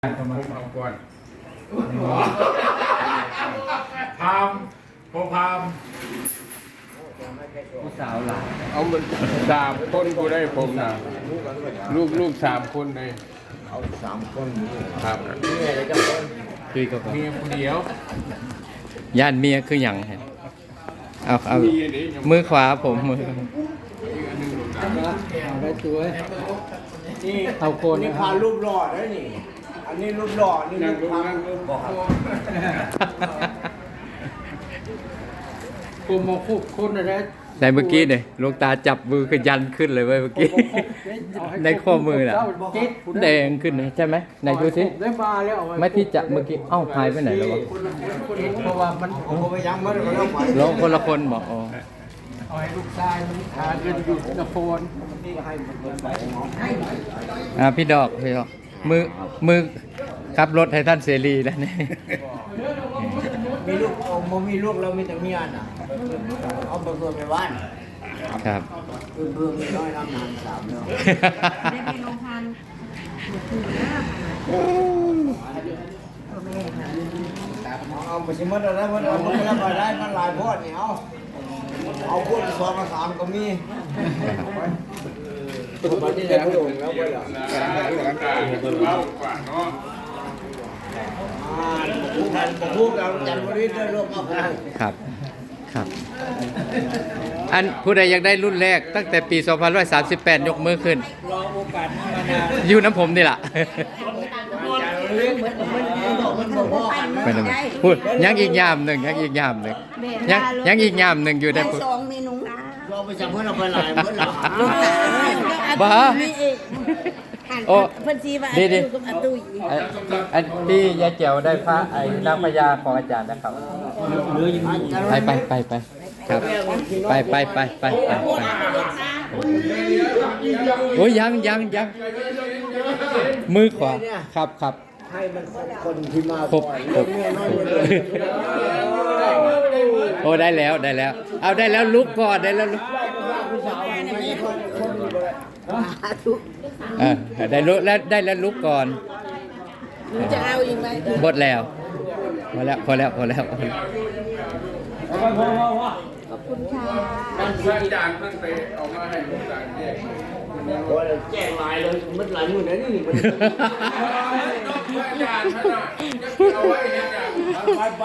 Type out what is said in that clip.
ผมเอาก่อนพามผมพามผู้สาวหลานเอามัน3 คนกูได้ผมนะลูก3 คนเลยเอา3 คนครับนี่อะไรจะคนคุยกับเมียคนเดียวย่านเมียคืออย่างเห็นเอามีอันนี้ยังมือขวาผมมืออันนึงลงน้ำได้ตัวนี่เอาโคนนี่พารูปหล่อได้นี่อันนี้รูปหล่อนี่นั่งลรูงปนั่งลงบอกกูมาคุกคนอะไรในเมื่อกี้เนี่ยหลวงตาจับมือคือยันขึ้นเลยเว้ยเมื่อกี้ ในข้อมือน่ะแดงขึ้นนะใช่ไหมไหนดูสิได้มาแล้วไม่ที่จะเมื่อกี้เอ้าหายไปไหนแล้ววะเพราะว่ามันผมก็ไปยังไม่ได้มาแล้วไปร้องคนละคนบอกอ๋อเอาให้ลูกชายมันทานกันอยู่นครพี่ดอกมือขับรถให้ท่านเสรีแล้วนี่มีลูกโมมีลูกเรามีแต่เมียน่ะเอาไปเพื่อไปบ้านครับเพื่อไม่น้อยน้ำนาน3แล้วได้ไปโรงพยาบาลเอาไปชิมมันได้มันไม่รับได้มันหลายพอดนี่เอาพวก2 กับ 3ก็มีตัวนี้แล้วลงแล้วไปอ่ะเอากว่าเนาะพูดเราจันทร์บริษัทร่วมเอาไปครับครับ อันผู้ใดอยากได้รุ่นแรกตั้งแต่ปี 2538 ยกมือขึ้นรอโอกาสนี้มานานอยู่น้ำผมนี่ล่ะมันบอกว่าไปหนึ่งพูดยังอีกยามหนึ่งยังอีกยามหนึ่งยังอีกยามหนึ่งอยู่ได้ได้พูด 2 เมนูนะเราไปจับเพื่อนเราไปหลายเพื่อนเราบ้าโอ้เพิ่นสิว่าอาตุกับอาตุยอันที่ยายเจียวได้พระไอ้นางพญาของอาจารย์นะครับไปครับไปโอ้ยยังมือขวาครับให้มันคนที่มาครบโอ้ได้แล้ว เอาได้แล้วลุกก่อนได้แล้วลุกได้ลุกแล้วได้แล้วลุกก่อนหนูจะเอาอีกไหมหมดแล้วพอแล้วขอบคุณค่ะมันพระอาจารย์มันไปเอามาให้ลูกหลานแยกแจ้งลายเลยมันหลายมือนะนี่มันพระอาจารย์ท่านน่ะเอาไว้เนี่ย